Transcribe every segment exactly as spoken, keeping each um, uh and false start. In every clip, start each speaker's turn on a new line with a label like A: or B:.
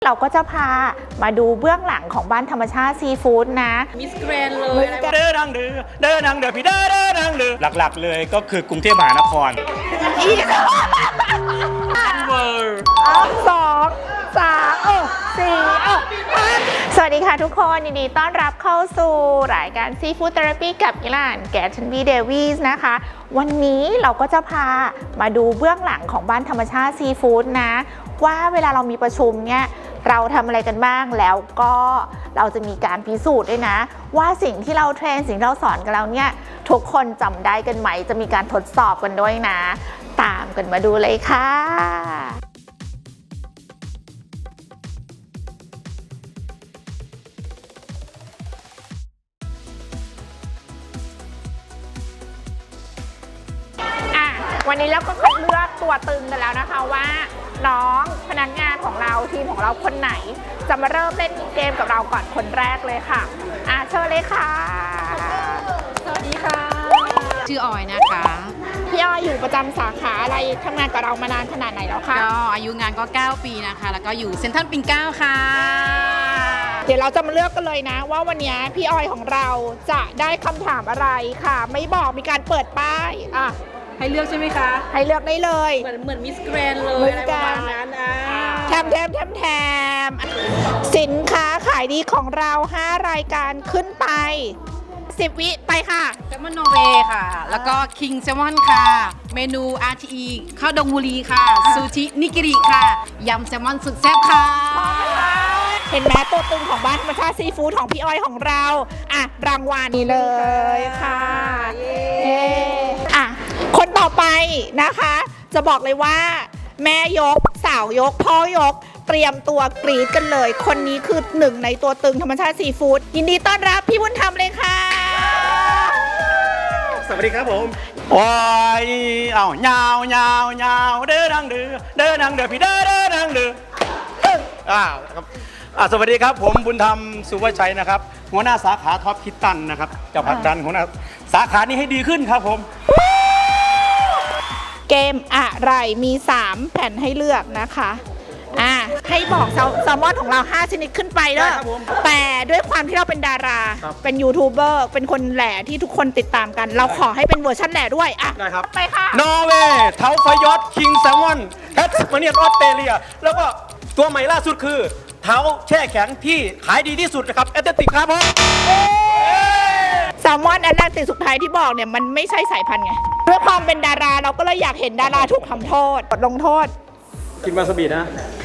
A: เราก็จะพามาดูเบื้องหลังของบ้านธรรมชาติซีฟู้ดนะ
B: มิสแกรนเลย
C: เดินทางเดือเดินทางเดือพี่เดินเดินทางเดือหลักๆเลยก็คือกรุงเทพมหานคร
A: เวอร์สองสามเออสี่เออสวัสดีค่ะทุกคนยินดีต้อนรับเข้าสู่รายการซีฟู้ดเทอราปีกับอิหร่านแกชันบีเดวิสนะคะวันนี้เราก็จะพามาดูเบื้องหลังของบ้านธรรมชาติซีฟู้ดนะว่าเวลาเรามีประชุมเนี่ยเราทำอะไรกันบ้างแล้วก็เราจะมีการพิสูจน์ด้วยนะว่าสิ่งที่เราเทรนสิ่งที่เราสอนกันแล้วเนี่ยทุกคนจำได้กันไหมจะมีการทดสอบกันด้วยนะตามกันมาดูเลยค่ะวันนี้เราก็คัดเลือกตัวตึงกันแล้วนะคะว่าน้องพนักงานของเราทีมของเราคนไหนจะมาเริ่มเล่นเกมกับเราก่อนคนแรกเลยค่ะอ่ะเชิญเลยค่ะ
B: สวัสดีค่ะชื่อออยนะคะ
A: พี่ออยอยู่ประจำสาขาอะไรทำงานกับเรามานานขนาดไหนแล้วคะ
B: ก็อายุงานก็เก้าปีนะคะแล้วก็อยู่เซ็นทรัลปิ่นเกล้าค่ะ
A: เดี๋ยวเราจะมาเลือกกันเลยนะว่าวันนี้พี่ออยของเราจะได้คำถามอะไรค่ะไม่บอกมีการเปิดป้ายอ่ะ
B: ให้เลือกใช่ไหมคะ
A: ให้เลือกได้เลย
B: เหมือนเหมือนมิสแกรนเลยอะไรประมาณนั้นอ่ะ
A: แถมแถมแถมแถมสินค้าขายดีของเราห้ารายการขึ้นไปสิบวิไปค่ะ
B: แซลมอนนอร์เวย์ค่ะแล้วก็คิงแซลมอนค่ะเมนู อาร์ ที อี ข้าวดงบุรีค่ะซูชินิกิริค่ะยำแซลมอนสุดแซ่บค่ะ
A: เห็นไหมตัวตึงของบ้านธรรมชาติซีฟู้ดของพี่อ้อยของเราอ่ะรางวัลนี้เลยค่ะเย้อ่ะคนต่อไปนะคะจะบอกเลยว่าแม่ยกสาวยกพ่อยกเตรียมตัวกรี๊ดกันเลยคนนี้คือหนึ่งในตัวตึงธรรมชาติซีฟู้ดยินดีต้อนรับพี่บุญธรรมเลยค่ะ
C: สวัสดีครับผมโอ้ยเอ้ายาวยาวยาวเดินทางเดือเดินทางเดือพี่เดินเดินทางเดืออ่าครับอ่าสวัสดีครับผมบุญธรรมสุวชัยนะครับหัวหน้าสาขาท็อปคิตตันนะครับจะผลักดันหัวหน้าสาขานี้ให้ดีขึ้นครับผม
A: เกมอะไรมีสามแผ่นให้เลือกนะคะอ่ะให้บอกแซลมอนของเราห้าชนิดขึ้นไปเด้อแต่ด้วยความที่เราเป็นดาราเป็นยูทูบเบอร์เป็นคนแหล่ที่ทุกคนติดตามกันเราขอให้เป็นเวอร์ชันแหล่ด้วยอ่ะ
C: ได้ครับ
A: ไปค่ะ
C: นอร์เวย์เทาไฟยอดคิงแซลมอนแคทมาเนียนออสเตรเลียแล้วก็ตัวใหม่ล่าสุดคือเท้าแช่แข็งที่ขายดีที่สุดนะครับแอตติกครับผม
A: แซลมอนแอตแลนติกสุดท้ายที่บอกเนี่ยมันไม่ใช่สายพันธุ์ไงเพื่อความเป็นดาราเราก็เลยอยากเห็นดาราถูกทำโทษลงโทษ
C: กินวาซาบินะ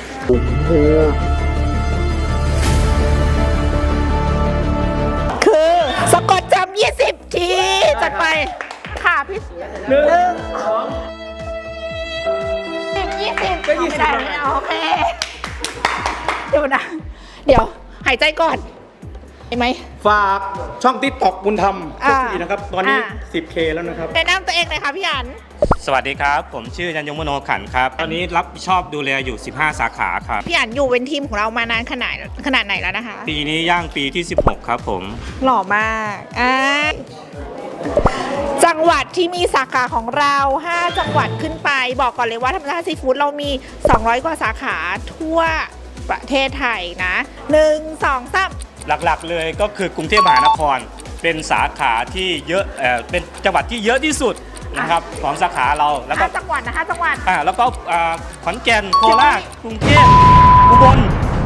A: คือสะกดจำยี่สิบทีจัดไปค่ะพี่หนึ่งสองสิบยี่สิบไม่ได้โอเคเดี๋ยวนะเดี๋ยวหายใจก่อนเห็นไหม
C: ฝากช่องติ๊กต็อกบุญธรรมทุกทีนะครับตอนนี้ สิบเค แล้วนะครับ
A: แนะนำตัวเองเลยค่ะพี่อัน
D: สวัสดีครับผมชื่อยันยงมโนขันครับตอนนี้รับผิดชอบดูแลอยู่สิบห้าสาขาครับ
A: พี่อันอยู่เป็นทีมของเรามานานขนาดขนาดไหนแล้วนะคะ
D: ปีนี้ย่างปีที่สิบหกครับผม
A: หล่อมากอ่าจังหวัดที่มีสาขาของเราห้าจังหวัดขึ้นไปบอกก่อนเลยว่าธรรมชาติซีฟู้ดเรามีสองร้อยกว่าสาขาทั่วประเทศไทยนะหนึ่ง สอง สาม
D: หลักๆเลยก็คือกรุงเทพมหานครเป็นสาขาที่เยอะเอ่อเป็นจังหวัดที่เยอะที่สุดนะครับของสาขาเรา
A: แล้วก็ห้าจังหวัดนะห้าจังหวัด
D: อ่าแล้วก็ขอนแก่นโคราชกรุงเทพอุบล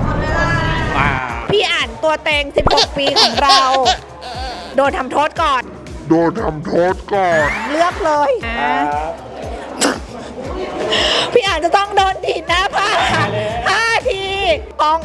A: พี่อ่านตัวเต็งสิบหกปีของเราโดนทำโทษก่อน
E: โดนทำโทษก่อน
A: เลือกเลยพี่อ่านจะต้องโดนถีบหน้าผากห้าทีปอง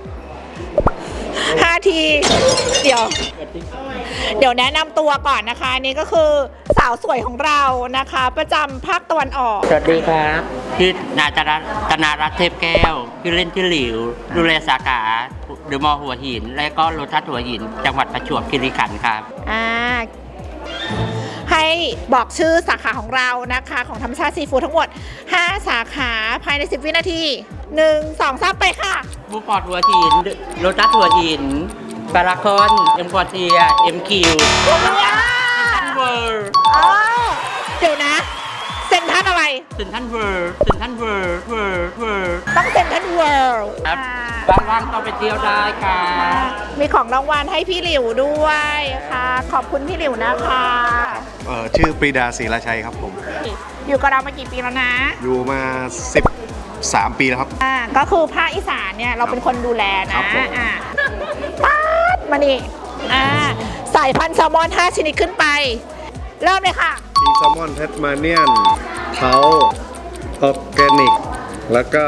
A: ห้าทีเดี๋ยวเดี๋ยวแนะนำตัวก่อนนะคะนี่ก็คือสาวสวยของเรานะคะประจำภาคตะวันออก
F: สวัสดีครับชื่อนาจารัตตนารัตน์เทพแก้วชื่อเล่นชื่อหลิวดูแลสาขาเดอะมอลล์หัวหินและก็โลตัสหัวหินจังหวัดประจวบคีรีขันธ์ครับ
A: อ่าให้บอกชื่อสาขาของเรานะคะของธรรมชาติซีฟู้ดทั้งหมดห้าสาขาภายในสิบวินาทีหนึ่ง สอง สามไปค่ะ
F: บูปอร์ตหัวหินโลตัสหัวหินปาราคอนเอ็มพอร์เทียเอ็มคิวเซ็นทรัลเวิร์
A: เดี๋ยวนะเซ็นทรัลอะไร
F: เซ็นทรัลเวิร์เซ็นทรัลเวิร์เวิร์เวิร์
A: ต้องเซ็นทรัลเวิร์
F: ครับว่างๆต้องไปเที่ยวได้ค่ะ
A: มีของรางวัลให้พี่หลิวด้วยค่ะ ขอบคุณพี่หลิวนะคะ
G: เอ่อชื่อปรีดาศรีราชัยครับผม
A: อยู่กับเรามากี่ปีแล้วนะ
G: อยู่มาสิบสามปีแล้วครับ
A: อ่าก็คือภาคอีสานเนี่ยเราเป็นคนดูแล
G: ครั
A: นะ
G: บผม
A: อ่าป๊าดมานี่อ่าสายพันธุ์แซลมอนห้าชนิดขึ้นไป เริ่มเลยค่ะ
G: มีแซลมอนแทสมาเนียนเทาออร์แกนิก แล้วก็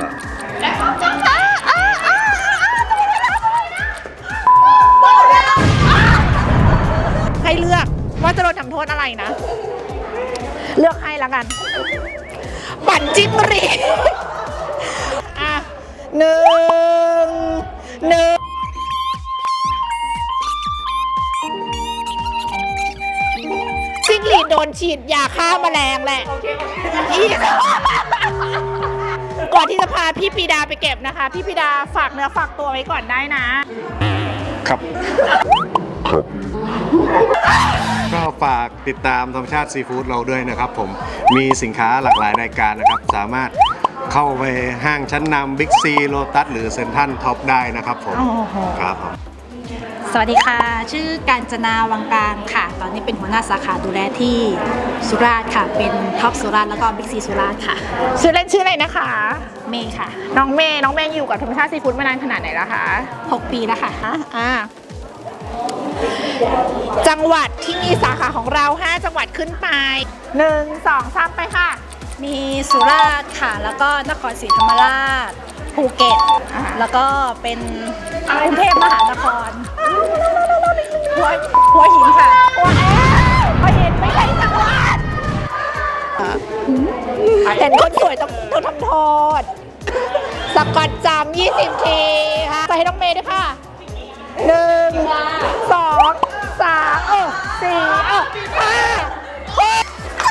A: ให้เลือกว่าจะโดนทำโทษอะไรนะ เลือกให้แล้วกัน ปั่นจิ้มรีอ่ะหนึ่งหนึ่งจิ้งหรีดโดนฉีดยาฆ่าแมลงแหละอีกก่อนที่จะพาพี่ปีดาไปเก็บนะคะ พี่ปีดาฝากเนื้อฝากตัวไว้ก่อนได้นะ
G: ครับ ก็ฝากติดตามธรรมชาติซีฟู้ดเราด้วยนะครับผม มีสินค้าหลากหลายรายการนะครับ สามารถเข้าไปห้างชั้นนำบิ๊กซีโลตัสหรือเซ็นทรัลท็อปได้นะครับผม
A: โอ้โห
G: ครับผม
H: สวัสดีค่ะ ชื่อกาญจนาวังกลางค่ะ ตอนนี้เป็นหัวหน้าสาขาดูแลที่สุราษฎร์ค่ะ เป็นท็อปสุราษฎร์แล้วก็บิ๊กซีสุราษฎร์ค่ะ
A: ชื่อเล่นชื่ออะไรนะคะ
H: เมย์ค่ะ
A: น้องเมย์น้องเมย์อยู่กับธรรมชาติซีฟู้ดมานานขนาดไหนแล้วคะ
H: หกปีแล้วค่ะ
A: อ่าจังหวัดที่มีสาขาของเรา ห้า จังหวัดขึ้นไป หนึ่ง สอง สาม ไปค่ะ
H: มีสุราษฎร์ค่ะ แล้วก็นครศรีธรรมราช ภูเก็ต
A: อ่า
H: แล้วก็เป็นกรุงเทพมหานคร หัวหัวหินค่ะ
A: พอเห็นไม่ใช่จังหวัดเห็นคนสวยต้องต้องทำโทษ สกัดจำยี่สิบทีค่ะใส่ให้น้องเมย์ด้วยค่ะหนึ่งสองสามเออสี่เออห้าหก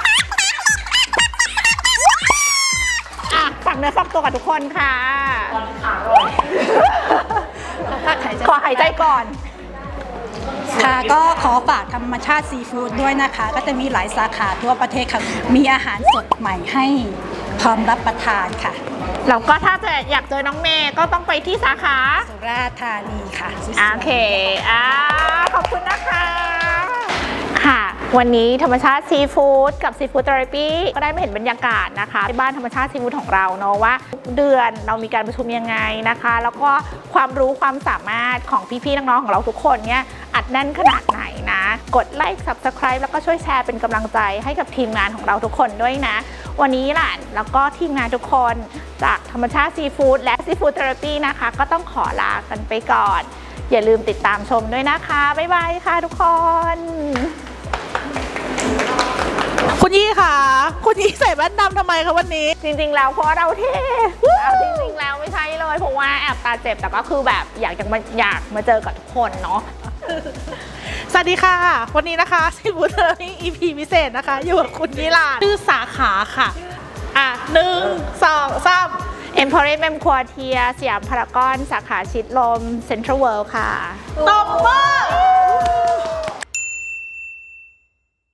A: อ่ะฝักเนื้อฝักตัวกับทุกคนค่ะ ขอหายใจก่อน
H: ค่ะก็ขอฝากธรรมชาติซีฟู้ดด้วยนะคะ ก็จะมีหลายสาขาทั่วประเทศค่ะ มีอาหารสดใหม่ให้พร้อมรับประทานค่ะ
A: แล้วก็ถ้าจะอยากเจอน้องเมย์ก็ต้องไปที่สาขา
H: สุราษฎร์ธานีค่ะ
A: โอเคอ่าขอบคุณนะคะ ค่ะ วันนี้ธรรมชาติซีฟู้ดกับซีฟู้ดเทอราปีก็ได้มาเห็นบรรยากาศนะคะที่บ้านธรรมชาติซีฟู้ดของเราเนาะว่าทุกเดือนเรามีการประชุมยังไงนะคะ แล้วก็ความรู้ความสามารถของพี่ๆน้องๆของเราทุกคนเนี่ยอัดแน่นขนาดไหนนะ กดไลค์ ซับสไครบ์ แล้วก็ช่วยแชร์เป็นกำลังใจให้กับทีมงานของเราทุกคนด้วยนะ วันนี้หลานแล้วก็ทีมงานทุกคนจากธรรมชาติซีฟู้ดและซีฟู้ดเทอราปีนะคะ ก็ต้องขอลากันไปก่อน อย่าลืมติดตามชมด้วยนะคะ บ๊ายบายค่ะทุกคน
I: คุณยี่ค่ะ คุณยี่ใส่แว่นดำทำไมคะวันนี้
A: จริงๆ แล้วเพราะเราเท่เอาจริงๆ แล้วไม่ใช่เลย เพราะว่าแอบตาเจ็บ แต่ก็คือแบบอยากจะมาอยากมาเจอกับทุกคนเนาะ
I: สวัสดีค่ะ วันนี้นะคะซีฟู้ดเทอร์นี่ อี พี พิเศษนะคะ อยู่กับคุณยี่ลาชื่อสาขาค่ะ อ่ะหนึ่งสองสาม
A: เอ็มพอริเมมควอเทียสยามพารากอนสาขาชิดลมเซ็นทรัลเวิลด์ค่ะ
I: ตบมือ